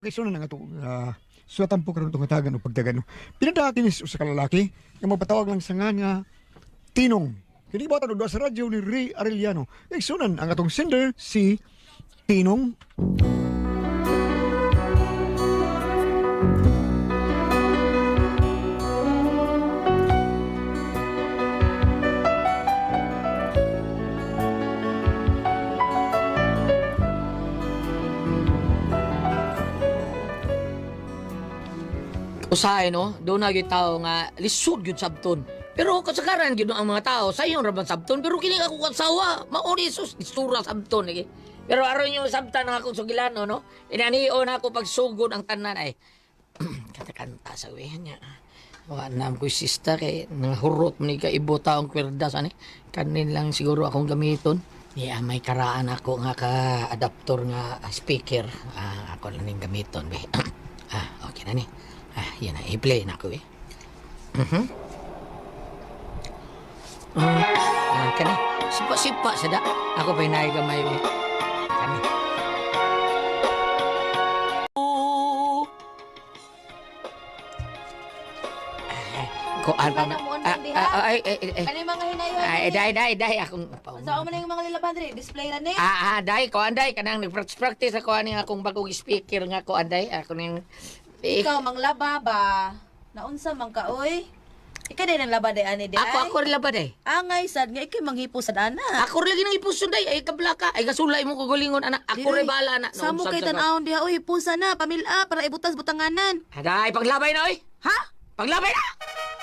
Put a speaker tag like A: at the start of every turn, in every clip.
A: Kaysa na nga ito, suwatan po karon itong hatagan o pagdagan. Pinadakinis sa kalalaki, nga magpatawag lang sa nga Tinong. Hindi ba tanong sa radyo ni Ray Arellano. Kaysunan ang atong sender, si Tinong.
B: Usahay no, doon na yung tao nga lisod yun sabton. Pero kasagaran yun ang mga tao, sa iyong raban sabton. Pero kini ako kasawa, mauni sus, istura sabton. Eh. Pero aron yung sabtan ng akong sugilano, no? Inaniyo na ako pagsugod ang tanan ay. Kanta-kanta sa wihan niya. Wanam ko sista kay nahurot mo ni kaibo taong kwerdas ani. Kanin lang siguro akong gamiton. Niya may karaan ako nga ka-adaptor nga speaker. Ako lang ning gamiton be. Okay na ni. Yan na, i-play na ako eh. Kani, sipa-sipa sada. Ako pa inay gamay eh. Kani. Kuan pa na.
C: Ano yung mga hinayon?
B: Day, akong...
C: Saan mo na yung mga lilabandre? Display na ni?
B: Day, kuan day. Kanang nag-practice ako ani akong bagong speaker nga kuan day. Ako ning...
C: Ikaw, mang laba ba? Naunsa mang ka, oy? Ika din ang laba day, ani, day?
B: Ako rin labad eh.
C: Angay, sad nga, ikay manghipo sa dana.
B: Ako rin lagi nang ipuson day. Ay, kablaka. Ay, kasulay mo kugulingon, anak. Ako rin bala na.
C: Samo kay tanawon diha, oy, hipusa na, pamilya, para ibutas butanganan.
B: Day, paglabay na, oy.
C: Ha?
B: Paglabay na!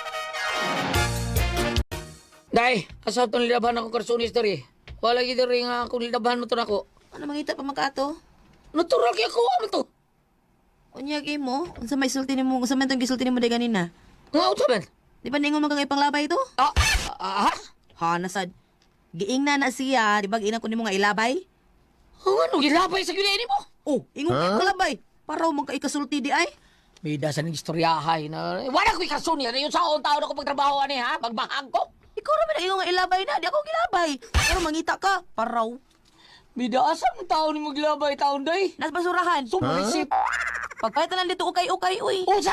B: Day, asa itong lilabahan ako karson history. Wala gito rin nga akong lilabahan mo ito na ako.
C: Ano mangita pa magkaato?
B: Natural kaya ko, ano to?
C: Unyagi mo? Unsa may sulti nimo? Unsa man tong gisulti nimo day ganina?
B: Nga, ito man.
C: Di ba ningon magangay panglabay ito? Ha, nasad. Giing na siya, di ba giina ko nimo nga ilabay?
B: Ano, gilabay sa gilini mo?
C: Oh, ingon ka panglabay. Para man ka ikasulti di ay.
B: Bida sa ng istoryahay na... Wala ko ikasun yan. Yung saon taon ako pagtrabaho ani ha? Magbahag ko.
C: Ikaw naman na ingon nga ilabay na, di ako gilabay. Pero mangita ka, paraw.
B: Bida, asang taon ni maglabay taon day?
C: Nas basurahan.
B: Sumarisip.
C: Pagpalitan lang dito ukay-ukay, uy.
B: Unsa?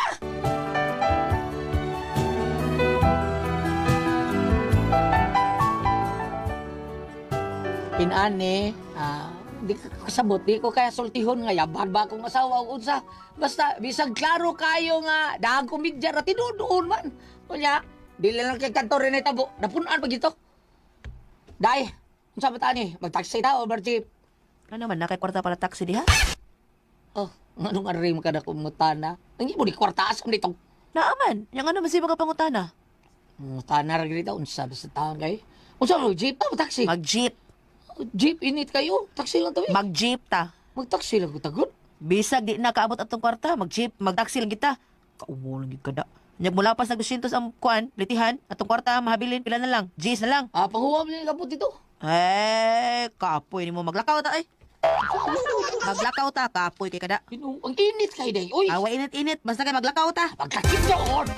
B: Pinane, di ka kasabot, di ko kaya sultihon nga, yabag ba akong asawa o unsa. Basta, bisag klaro kayo nga, dahang komedya na tinudoon man. Kunya, di lang kay kantor rin ay tabo, napunaan pa gito. Day, unsa ba tani? Mag-taxi ta o bar-jeep?
C: Ano man, nakay kwarta para taxi di ha?
B: Oh, anong arim ka na kumutana? Ang mo di kwarta asam dito.
C: Naaman, yung ano masipag ka pangutana?
B: Mutana rin dito, unsa ba sa taon kayo? Unsa mo, jeep ta o taxi?
C: Mag-jeep.
B: Jeep, init kayo. Taxi lang tabi.
C: Mag-jeep ta.
B: Mag-taxi lang ko tagot.
C: Bisag di na kaabot atong kwarta, mag-jeep, mag-taxi lang kita. Kaumo lang gid kada. Nyag mula pa sa 200 ang kuan, litihan, atong kwarta mahabilin pila na lang. G's na lang.
B: Panghuwam niya kapot dito.
C: Kapoy ni mo maglakaw ta ay. Maglakaw ta, kapoy kay kada.
B: Ang init kayo day. Uy,
C: Awa init-init, basta kay maglakaw ta.
B: pagkakit doon.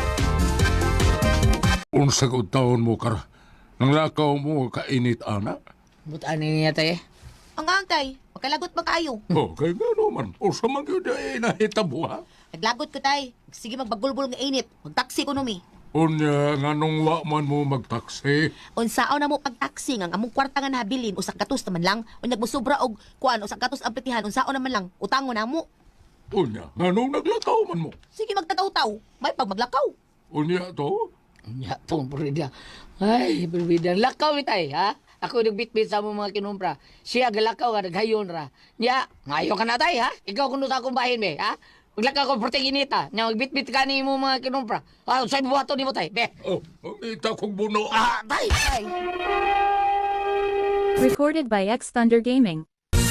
D: Unsa ko taon mo kar? Nang lakaw mo kainit ana?
B: Butaan niya tayo.
C: Ang antay, magkalagot ba kayo?
D: Okay nga naman. Unsa man gyud ay nahitabo ha?
C: Naglagot ko tay. Sige magbagulbol nga init. Mag-taxi ko numi.
D: Unya nga nung wa man mo magtaksi.
C: Unsaon na mo pag-taxi nga among kwarta nga nabilin usak katos naman lang. Unyag mo sobra og kuan usak katos ang plitihan unsaon naman lang. Utangon na mo.
D: Unya nga nung naglakaw man mo.
C: Sige magtataw-taw. May pag maglakaw.
D: Unya to?
B: Nya, pong purida. Ay, purida. Lakaw ni tay, ha? Ako nagbitbit sa mga kinumpra. Siya galakaw nga, naghayon ra. Nya, ngayon ka na tay, ha? Ikaw kuno sa akong bahin, be, ha? Maglakaw ko proteginita. Nya, magbitbit ka ni mo mga kinumpra. Sa'y buhato ni mo tay, be.
D: Oh, ita kong buno.
B: Tay!
C: Ay.
E: Recorded by X Thunder Gaming.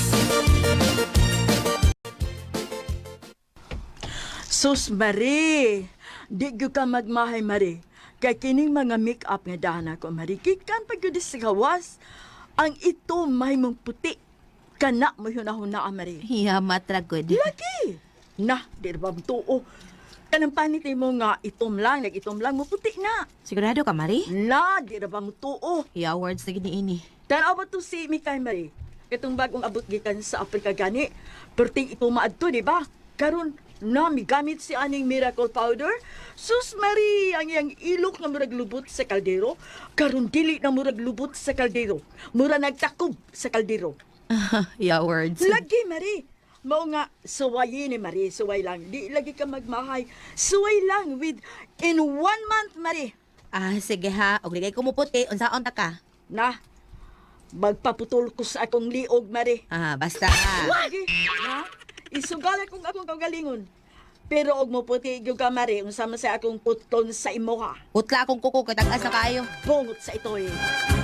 F: Sus, Marie! Di gyud ka magmahay, Marie. Kay kining mga make-up nga dana ko, Marie. Kikan pa gyud sa gawas. Ang ito may mong puti. Kana mo yun ako na, Marie.
C: Yamat ra good.
F: Lagi! Nah, di ba tuo? Kanang panit mo nga itom lang, nag-itom lang mo puti na.
C: Sigurado ka, Mari?
F: Na, di ba tuo?
C: Yeah, words na gini-ini.
F: Tanaw ba to si Mikay, Marie? Itong bagong abot gikan sa Afrika gani. Perting ito maadto, di ba? Karon nami gamit si aning miracle powder. Sus Marie, ang iyang ilok nga murag lubot sa kaldero. Karon dili na murag lubot sa kaldero. Mura nagtakob sa kaldero.
C: Yeah, words.
F: Lagi, Marie. Mao nga, suwayin ni Marie. Suway lang. Di lagi ka magmahay. Suway lang with in 1 month, Marie.
C: Ah, sige ha. Og ligay ko mo puti, unsaon ta ka?
F: Na, magpaputol ko sa akong liog, Marie.
C: Ah, basta ha.
F: Lagi, ha? Isugal akong kagalingon. Pero og mo puti gyud ka, Marie, unsa man sa akong puton sa imo, ha?
C: Utla akong kuko, katag-asa kayo.
F: Bungot sa ito, eh.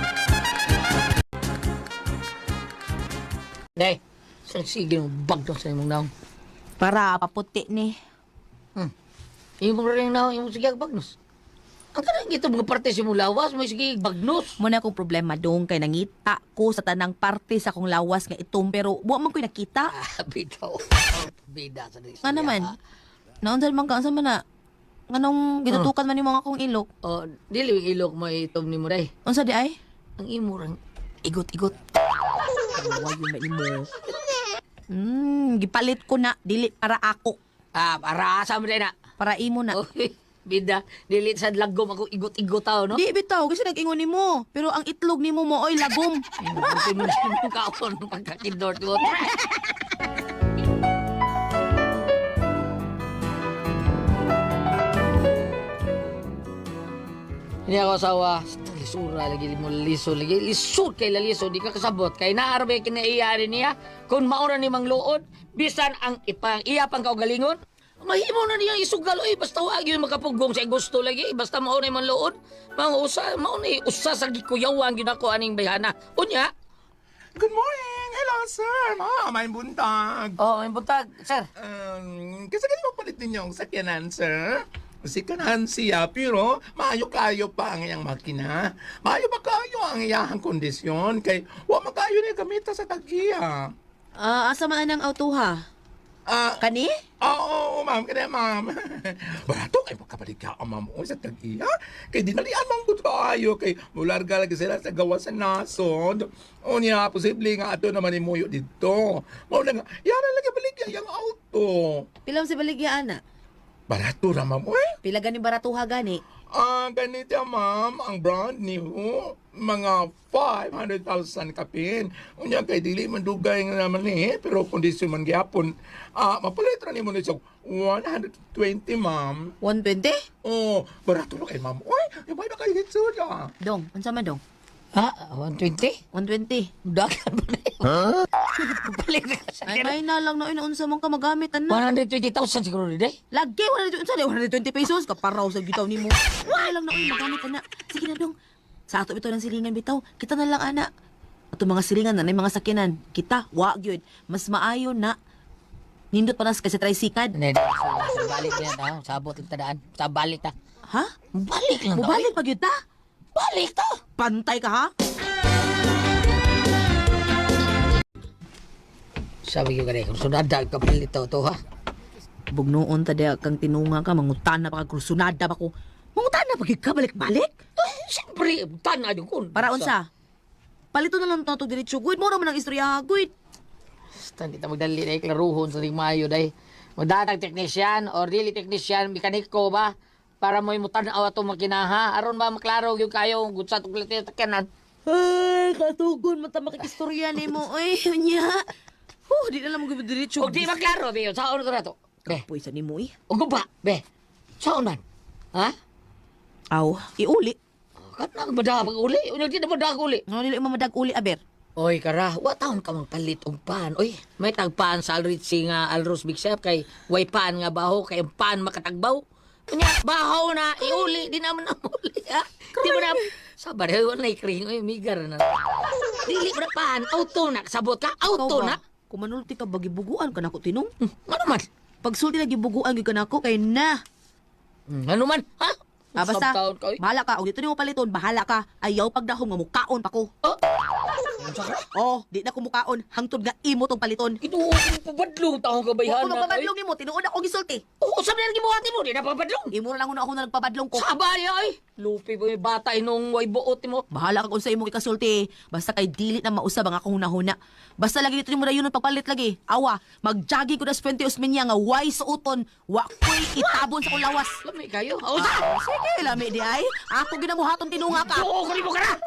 B: Day, sige mo bag sa imong naong.
C: Para paputi ni.
B: Imong rin naong, imong sige bagnos. Ang kanang ito mga parte sa imong lawas, mo sige bagnos.
C: Muna akong problema dong kay nangita ko sa tanang parte sa akong lawas nga itom pero buwa man ko'y nakita.
B: Bitaw. Bida sa dis.
C: Nga naman. Naunsan man ka, unsa man na? Nganong gitutukan man ni mga akong ilok?
B: Oh, dili yung ilok mo itom ni mo day.
C: Unsa di ay?
B: Ang imo rang igot-igot.
C: Wayo na imo. Gipalit ko na dili para ako,
B: Para sa mo day na.
C: para imo na.
B: Okay. Bida, dili sa lagom ako igot-igot tao, no?
C: Di bitaw kasi nag-ingon nimo, pero ang itlog nimo mo oy lagom.
B: Buti mo na kaon pagkakindot-dot. Hindi ako asawa. Lisura lagi mo liso lagi. Lisod kay laliso. Di ka kasabot. Kay naarbe kinaiyarin niya. Kung maura ni mang luod, bisan ang ipang iya pang kaugalingon, mahimo na niya isugal. Oy, basta wag yun makapugong sa gusto lagi. Basta mauna yung luod. Mauna usa sa gikuyawan yun ako aning bayana. Unya.
G: Good morning! Hello, sir! May buntag.
B: Oh, may buntag, sir.
G: Kasi ganun mo palit ninyo ang sakyanan, sir. Sikanahan siya, pero maayo kayo pa ang iyang makina. Maayo ba kayo ang iyang kondisyon? Kay wa makayo niya gamita sa tag-iya.
C: Asa man ang auto ha? Kani?
G: Oo, ma'am. Kaya, ma'am. Barato kay magkabalik ka ang ma'am sa tag-iya. Kay dinalian mong good kayo. Kay mularga lagi sila sa gawa sa nasod. O niya, posible nga ato naman imuyo dito. Mauna nga, yara lagi balik yung auto.
C: Pilam si baligya ana.
G: Barato ra, ma'am. Uy.
C: Pila gani baratuha gani?
G: Ganito, ma'am. Ang brand new, mga 500,000 kapin. Unya kay dili man dugay nga naman pero kondisyon man gyapon. Mapalit ra nimo ni sa 120, ma'am.
C: 120?
G: Oh, barato ra kay ma'am. Uy, ibay na kay hitsud ah.
C: Dong, unsa man dong?
B: Ha? 120?
C: 120.
B: Dagan ba na yun? Balik na ka sa
C: Ay na lang na unsa man ka magamit ana.
B: 120,000 siguro rin eh.
C: Lagi 120 pesos kaparaw sa gitaw nimo. Wala lang na uy magamit ana. Sige na dong. Sa ato ito ng silingan bitaw, kita na lang ana. Ato mga silingan na mga sakyanan, kita wa gyud. Mas maayo na nindot pa nas kasi tricycad.
B: Hindi, sa balik na yan. Sabot lang tadaan. Sa balik ta.
C: Ha?
B: Balik lang ta.
C: Mubalik pa gyud ta?
B: Balik ta.
C: Pantay ka ha?
B: Sabi ko kanina, kung sunada ka palito to ha.
C: Bugnoon ta dia kang tinunga ka mangutana pa ka kursunada pa ko. Mangutana pa gyud ka balik-balik.
B: Siyempre, tanah din kun.
C: Para unsa? Palito na lang to diretso gud mo naman ang istorya gud.
B: Basta hindi ta magdali na iklaruhon sa mayo day. Magdatag technician or dili technician, mekaniko ba? Para mo imutanaw ato makinaha. Aron ba maklaro yung kayo kung sa tuklit yung takyanan.
C: Ay, katugon mata makikistorya nimo. Ay, nya. Di na lang mo diretso.
B: O di maklaro, be. Saan ko na to? Be.
C: Puy sa nimo eh.
B: O ba? Be. Saan man? Ha?
C: Aw, iuli.
B: Kat na ba uli? O di na ba uli?
C: Nga nila mamadag uli aber.
B: Oy, kara, wa taon ka magpalit og pan. Oy, may tagpan sa Alritzi nga Alros Big Chef kay way pan nga baho kay ang pan makatagbaw. Kunya, baho na iuli di naman na uli ha. Di mo na sabar wala ikring oy migar na. Dili mo na pan, auto na sabot ka, auto na.
C: Kung manulti ka bagibuguan ka nako tinong.
B: Ano man?
C: Pagsulti na gibuguan gyud ka nako kay na.
B: Ano man, ha?
C: Basta,
B: Sabtaon ka, oy.
C: bahala ka. O dito nimo paliton, bahala ka. Ayaw pagdahom nga mukaon pa ko.
B: Oh,
C: Oh, di na kumukaon. Hangtod nga imo tong paliton.
B: Ito ang pabadlong taong kabayhan
C: Kung
B: na.
C: nagpabadlong nimo, tinuod ako gisulti.
B: Oo, sabi na gibuhati mo, di na pabadlong.
C: Imo na lang ako na nagpabadlong ko.
B: Sabay ay. Lupi ba yung bata inong way buot mo?
C: Bahala ka kung sa imong ikasulti. Basta kay dili na mausab ang akong hunahuna. Basta lagi dito mo dayon ng pagpalit lagi. Awa, mag-jogging ko na sa 20 usminya nga way suoton. Wa ko'y itabon sa kong lawas.
B: Lami kayo. Oo, sa.
C: Sige, lami di ay. Ako ginamuhaton tinunga ka.
B: Oo, kung mo ka na.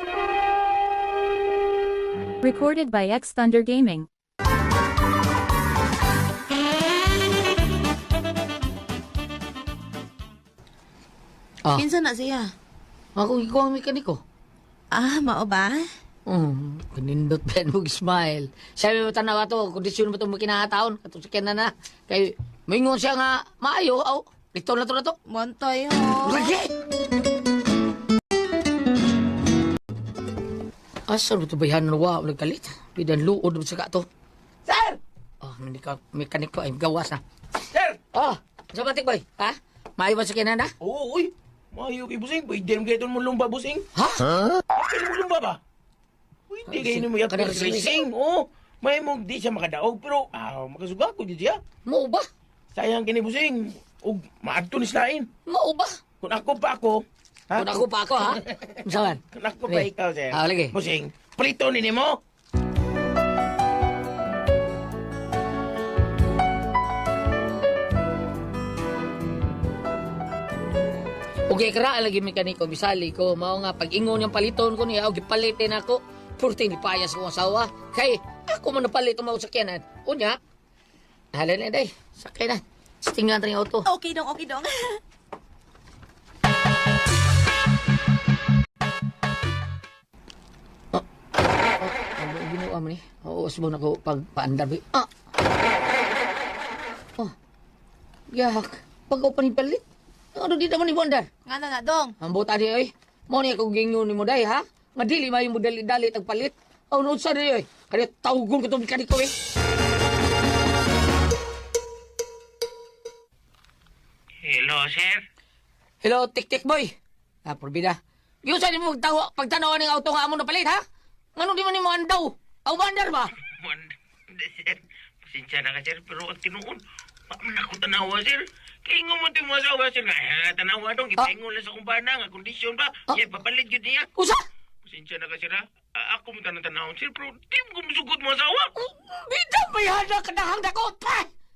E: Recorded by X Thunder Gaming.
B: Ah,
C: Kinsa na siya?
B: ako ikaw ang mekaniko.
C: Ah, mao ba?
B: Kanindot ba mo smile. Sabi mo tanaw ato, kondisyon mo itong makinahataon. Katong sakyan na. Kay, maingon siya nga, maayo. Aw, ito na to.
C: Montay ho.
B: Lagi! Asa mo ito bayan na wa, nagkalit. Bidan luod mo sa kato.
G: Sir!
B: Oh, mekaniko ay gawas na.
G: Sir!
B: Oh, sa batik boy, ha? Maayo ba sakyan na?
G: Oo, uy. Mayo kay busing. Pwede naman kayo mo lumba, busing.
B: Ha?
G: Pwede mo lumba ba? Pwede kayo mo yung
B: Kadang-
G: racing. Oo. May mong di siya makadaog, pero makasuga ko di siya.
B: Mo ba?
G: Sayang kini busing. Ug maadto ni slain.
B: Mo ba?
G: Kung ako pa ako, ha?
B: Kung ako pa ako, ha? Saan?
G: Kung ako pa ikaw, sir.
B: Ah, lagi.
G: Busing, prito ni mo.
B: Okay, kara lagi mekaniko, bisali ko. Mao nga, pag ingon yung paliton ko niya, o gipalitin ako, purti ni payas kong asawa. Kay, ako man napalit ang mga sakyanan. Unya, halin na day, sakyanan. Tingnan rin auto.
C: Okay dong, okay dong.
B: Ano ang ginawa mo ni? Oo, asbong ako pagpaandar. Ah! Oh, yak. Pag ako panipalit, ano di naman ni Bondar?
C: Nga na dong.
B: Ang buta di oy. Mo ni ako gingon ni mo day ha. Nga dili may mo dali tagpalit. Aw no sa di oy. Kani tawgon ko tong mekaniko eh.
H: Hello, sir.
B: Hello, tik-tik boy. Ah, porbida. Yung sa mo pagtanaw ng auto nga amo na palit ha? Ngano di man ni mo andaw? Aw bandar ba?
H: Hindi, sir. Pasensya na ka, sir. Pero ang tinuon, man ako tanawa, sir. Kaingo mo ito mo asawa, sir. Tanawa dong, ipaingon lang sa kumpana nga kondisyon ba? Yeah, papalit yun niya.
B: Usa?
H: Pasensya na ka, sir, ha? Ako mo tanong-tanawon, sir. Pero di mo kumusugod mo asawa.
B: Bida may hada kadahang dako pa.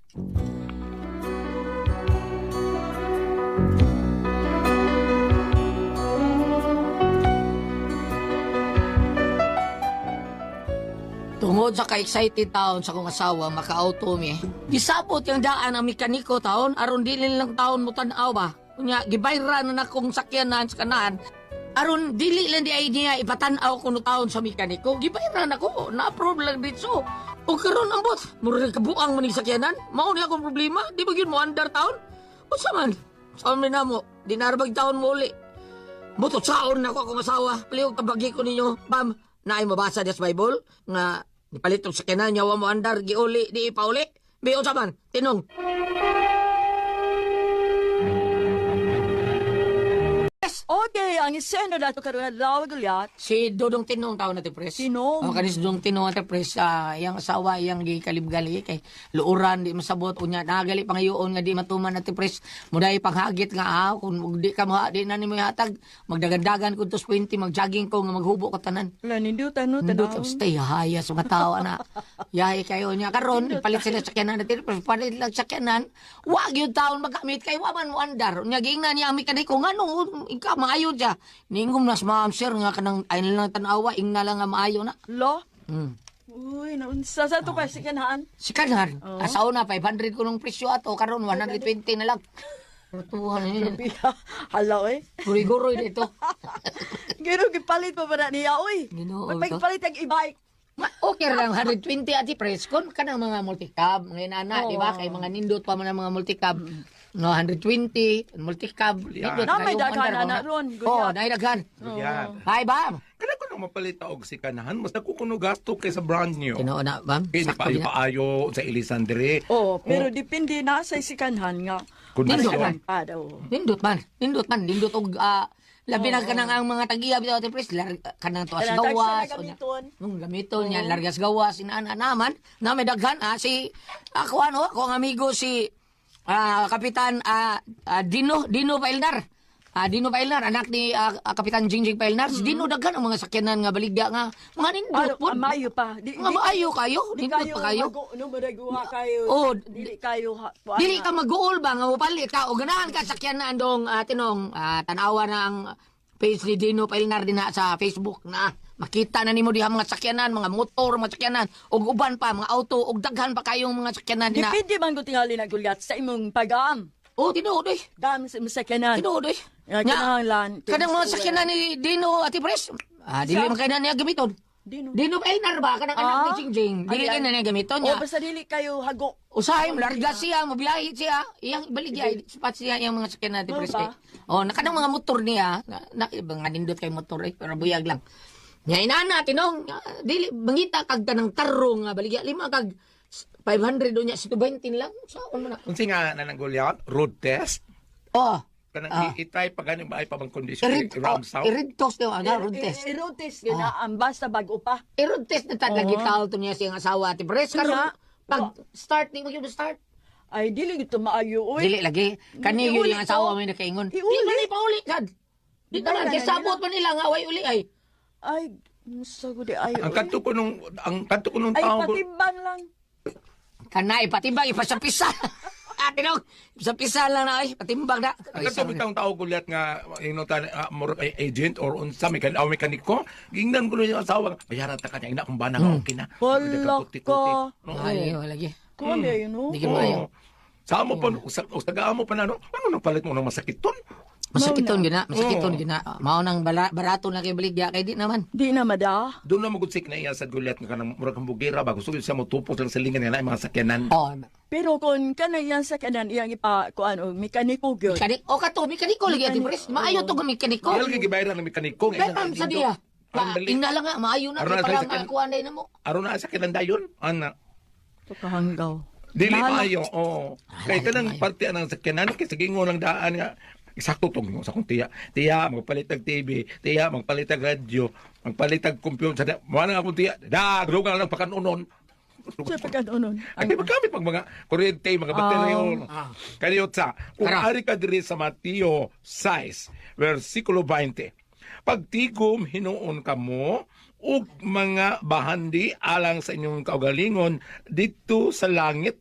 B: Tungod sa ka-excited taon sa kong asawa, maka-auto mi. Gisabot yung daan ang mekaniko taon, aron dili lang taon mo tanaw ba? Kunya, gibayra na akong sakyanan sa kanan. Aron dili lang di ay niya ipatanaw ko no taon sa mekaniko. Gibayra na ko, na-approve lang dito. O karon ang bot, mura kabuang mo ni sakyanan. Mao ni akong problema, di ba yun mo andar taon? O saman, saan na mo, di narabag taon mo uli. Buto saon na ko akong asawa, palihog tabagi ko ninyo, ma'am. Naay mabasa des Bible nga nipalit og sakyanan nyawa mo andar giuli di ipauli. Biyo saman, tinong.
F: Okay, ang isena na ito karoon lawag ulit.
B: Si Dodong Tinong tao na ti pres.
F: Tinong?
B: O kanis Dodong Tinong na ti pres, iyang asawa, iyang di kalibgali kay luuran di masabot unya nagali pangayoon nga di matuman na ti pres. Muday panghagit nga kung di ka di na nimo hatag magdagandagan kun tos 20 magjogging ko nga maghubo ko tanan.
F: Wala, nindutan no,
B: Nindot
F: tanawon.
B: ang stay haya sa mga tao na. Yahay kayo niya. Karon, palit sila sakyanan natin. Palit lang sakyanan. Wag yung taon magamit kay waman mo andar. Nya giing na niya ang mekaniko. Nga nung ikaw maayo siya. Ningom nas ma'am sir nga kanang ayun lang tanawa. Ing na lang nga maayo na.
F: Lo?
B: Hmm.
F: Uy, naunsa sa ito pa si kanahan.
B: Si Kanar, asaw na 500 ko nung presyo ato. Karon 120 na lang. Tuhan niya.
F: Hala, eh.
B: Guri-guri dito.
F: Gano'n, gipalit pa ba na niya, uy?
B: Ginoo,
F: Magpagipalit ang e-bike.
B: Okay lang, 120 ati press kon kanang mga multicab ngayon ana, di ba? Kay mga nindot pa man ang mga multicab. No, 120 multicab. Nindot
F: Na, may
B: kayo,
F: daghan
B: andar,
F: na
B: mga-
F: ron,
B: Oh,
F: guyat.
B: naidaghan.
G: Yan.
B: Hi, bam.
G: Kana ko na mapalit og si kanahan, mas nakukuno gasto kaysa brand new.
B: Tinoo na, bam.
G: Kaya
B: Sakto din na.
G: paayo sa Elisandre.
F: Oh, pero depende na sa sikanhan nga.
G: Kondisyon.
B: Nindot man.
F: Pa daw.
B: Nindot man. Nindot og Labi na kanang ang mga tag-iya bitaw Ate Pres, kanang tuwas
F: Kanang
B: gawas.
F: tagsa na gamiton.
B: Gamiton niya, largas gawas, inaan naman, na may daghan, si, ako ang amigo si Kapitan Dino Pailnar. Dino Pailnar, anak ni Kapitan Jingjing Pailnar. Si Dino daghan ang mga sakyanan nga baligya nga, mga nindot po.
F: Maayo pa.
B: Mga maayo kayo,
F: Di
B: nindot
F: kayo
B: pa kayo.
F: Numudaguha kayo.
B: Oh,
F: Dili kayo.
B: Dili ka mag-uol ba nga mupalit ka o ganahan ka sakyanan dong tinong tanawa na ang page ni Dino Pailnar din na sa Facebook na makita na nimo diha mga sakyanan, mga motor, mga sakyanan ug uban pa mga auto ug daghan pa kayong mga sakyanan din na.
F: Dipindi man ko tingali na gulyat sa imong pag-aam.
B: Oh, tinuod oy.
F: Dam sa masakyanan.
B: Tinuod oy.
F: Kinahanglan.
B: Kadang mga sakyanan ni Dino Ate Pres. Dili man kay na niya gamiton. Dino Pailnar ba kanang anak ni Jingjing. Dili kay na niya gamiton
F: O
B: niya.
F: basta dili kayo hago.
B: Usahay, larga siya, mabiyahe siya. Iyang baligya, sapat siya yung mga sakyan natin,
F: Ano
B: Pres.
F: ba?
B: Nakadang mga motor niya, nga nindot kay motor pero buyag lang. Nya inana, tinong, dili, bangita kag tanang tarong nga baligya, 5 kag 500 doon niya, 20 lang. Saan mo na?
G: Unsi nga na nang gulyat, road test.
B: Oh,
G: Kanang i-try pa ganing ba ay pa bang kondisyon around south.
B: i-read test daw, road test.
F: I-road test yun na. Basta bago pa.
B: I-road test na lagi tao to niya siyang asawa, Ate Pres. Karon, pag start, di mo yun start.
F: Ay, dili ito maayo. Uy.
B: Dili lagi. Kani yun
F: Iuli
B: yung asawa
F: ko.
B: may nakaingon. Di
F: Iuli.
B: man ipauli, sad. Di
F: Di
B: naman,
F: ba,
B: sabot pa nila nga, way uli ay.
F: Ay, musta ko di ayo.
G: Ang kanto ko nung
F: Ay,
G: tao ko.
F: patimbang lang.
B: Kanay, patimbang, ipasapisa. Ate nung, ipasapisa lang na, ay, patimbang na.
G: Ang kanto bitang tao gulyat nga inutan agent or unsa mekaniko. Gingnan ko nun yung asawa. Bayaran ta kanya ina kung bana nga okay na.
F: Wala ka.
B: Ay, wala lagi.
F: Kuwan ba yun, no?
B: Di ka maayo.
G: Sa mo pa, usagaan mo pa na, ano nang palit mo ng masakit ton?
B: Masakiton gina, masakiton gina. Mao nang barato na kay baligya, kay di naman.
F: Di na mada.
G: Doon na magudsik na iya sa gulyat nga kanang murag kang bugira ba gusto siya mo tupos lang sa lingan nila mga sakyanan.
B: Oh,
F: Pero kung kanang yan sa kanan, iyang ipa, kuan, o mekaniko gyud.
B: o kato, mekaniko lagi, Ate Pres. Maayo to kang mekaniko.
G: Kaya lagi gibayaran ng mekaniko.
B: Betam sa diya. Ina lang nga, maayo na,
G: Aron na
B: kay
G: sa
B: parang
G: sakyan.
B: kuha na mo.
G: Aron na sa sakyanan dayon. Ana.
F: Pakahanggaw.
G: Dili
F: Bahala.
G: maayo. Oh. Kay kanang parte ng sakyanan kay sa gingo lang daan nga eksakto tong sa kung tiya. Tiya magpalit og TV, tiya magpalit og radyo, magpalit og computer. Mo na akong tiya. Drugan lang pakanunon.
F: Siya pagkanoon.
G: Ang magamit pag mga kuryente, mga bateryo. Kaniyot sa, kung
B: Tara.
G: ari ka diri sa Mateo 6, versikulo 20, pagtigom hinuon ka mo, ug mga bahandi alang sa inyong kaugalingon dito sa langit.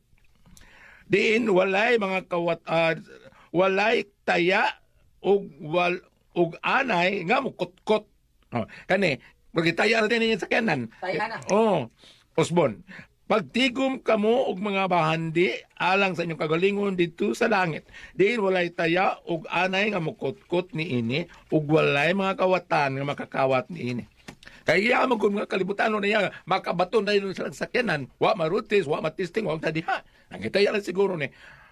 G: Diin walay mga walay taya ug anay nga mukutkot. Kani, magitaya na din sa kanan.
B: Taya na.
G: Osbon, pagtigom kamo og mga bahandi alang sa inyong kagalingon dito sa langit. Diin walay taya ug anay nga mukutkot ni ini ug walay mga kawatan nga makakawat ni ini. Kaya mo kung mga kalibutan na niya, makabaton na yun sa sakyanan, wa marutis, wa matisting, wa tadiha. Ang itaya lang siguro ni.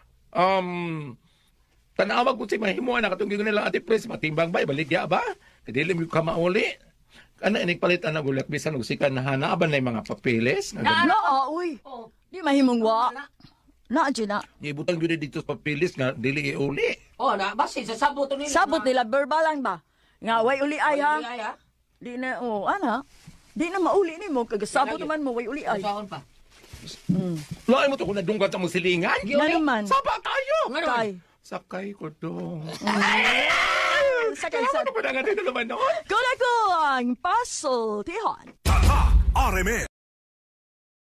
G: Tanawag ko si mahimuan na katong gingon nila Ate Pres, matimbang ba, baligya ba? Kadili mo ka mauli. Ano, inikpalitan na gulat, bisan og sikan na hanaban na yung mga papeles.
F: Na, uy. Di mahimong wa. Na, dyan na.
G: Ibutang yun dito sa papeles nga, dili iuli.
B: Na, basi, sa sabot to nila.
F: Sabot nila, verbal lang ba? Nga, way uli ay ha.
B: Ay, ha?
F: Di na, ana. Di na mauli ni mo. Kagasabot naman mo, way uli ay.
B: Saan pa?
G: Lain mo to kung nadunggat sa mong silingan.
F: Na naman.
G: Saba tayo!
F: Kay.
G: Sakay ko dong.
F: Sakay sa...
G: Ano pa na nga dito naman noon?
F: Kula ko ang puzzle, Tihon.
I: Tata RMN